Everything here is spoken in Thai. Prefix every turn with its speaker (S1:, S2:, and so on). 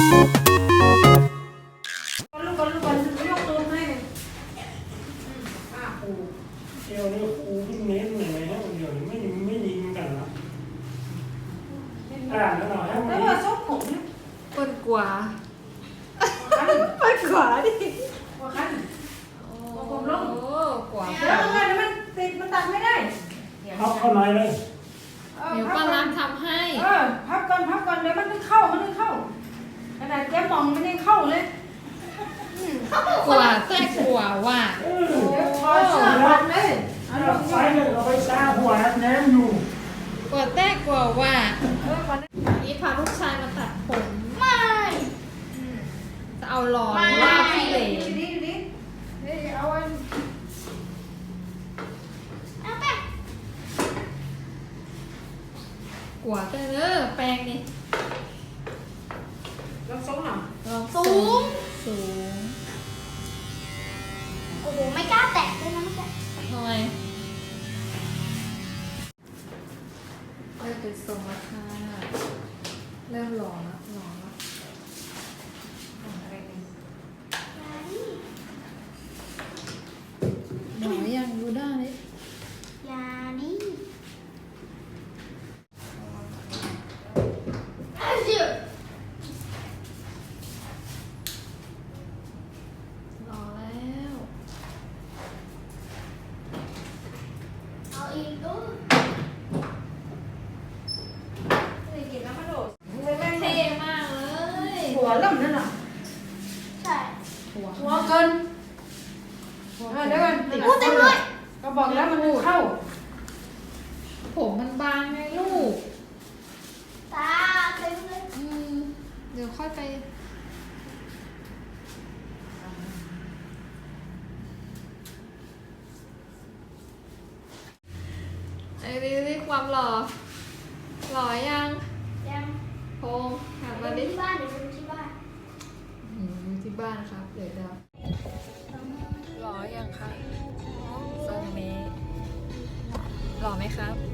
S1: เดี๋ยวนี้ครูเพิ่งเน้นเลยนะเดี๋ยวนี้ไม่ยิงกันละแล้วเราให้มัน
S2: แล้วว่าซุปผมเนี่ย
S3: เปิดกว่า
S2: คัน
S3: เปิดกว่าดิ
S2: ว่าคัน
S3: ผมลงโอ้กว่า
S2: แล้วทำไมมันติดมันตัดไม่ได้
S1: เข้าหน่อยเลย
S3: เดี๋ยวป้าน้ำทำให้
S2: พับก่อนเดี๋ยวมันไม่เข้าขนาดแกมองมันยังเข้าเลย
S3: กว่าแต่กว่าว่ะ
S2: เดี๋ยวถอดเสื้อพันเลยเอาล
S1: เรา
S2: ง
S1: ไฟเลยเราไปซ่าหัวแนมอยู่
S3: กว่าแต่กว่าว่ะ
S2: ก่อน
S3: วันนี้พาลูกชายมาตัดผม
S4: ไม่
S3: จะเอาหลอนว่าพี่เหล่
S2: ดีเอาอัน
S4: เอาไป
S3: กว่าแต่เนอะแปลงนี่
S2: ลองทรงหน่อย
S3: ลอง
S4: สูง
S3: สูง
S4: โอ้โหไม่กล้าแตะเลยนะเมื่อกี้
S3: ทำไมเริ่มเป็นทรงแล้วค่ะเริ่มหล่อแล้ว
S2: อะไรเนี่ย
S3: หมอยังดูได้เลย
S4: ยานี่อาจิ
S3: รอแล้ว
S4: เอาอีกด้วย
S2: นี่กินน้ำมันโดด
S3: เท่มากเลย
S2: หัวเริ่มนั่นน่ะ
S4: ใช่
S2: หัวเกินเดี๋ยวก่อน
S4: พูดเต็มเลย
S2: ก็บอกแล้วมันไม่เข้า
S3: ผมมันบางไงลูก
S4: ตาเต็มเลย
S3: เดี๋ยวค่อยไปไอ้นี่ความหล่อหล่อยัง
S4: ยัง
S3: พงหัน
S4: ไป
S3: มา
S4: ดู
S3: ดิ
S4: ที่บ้านเดี๋ยวไปดูที่บ้าน
S3: อยู่ที่บ้านครับเดี๋ยวหล่อยังคะทรงนี้หล่อไหมครับ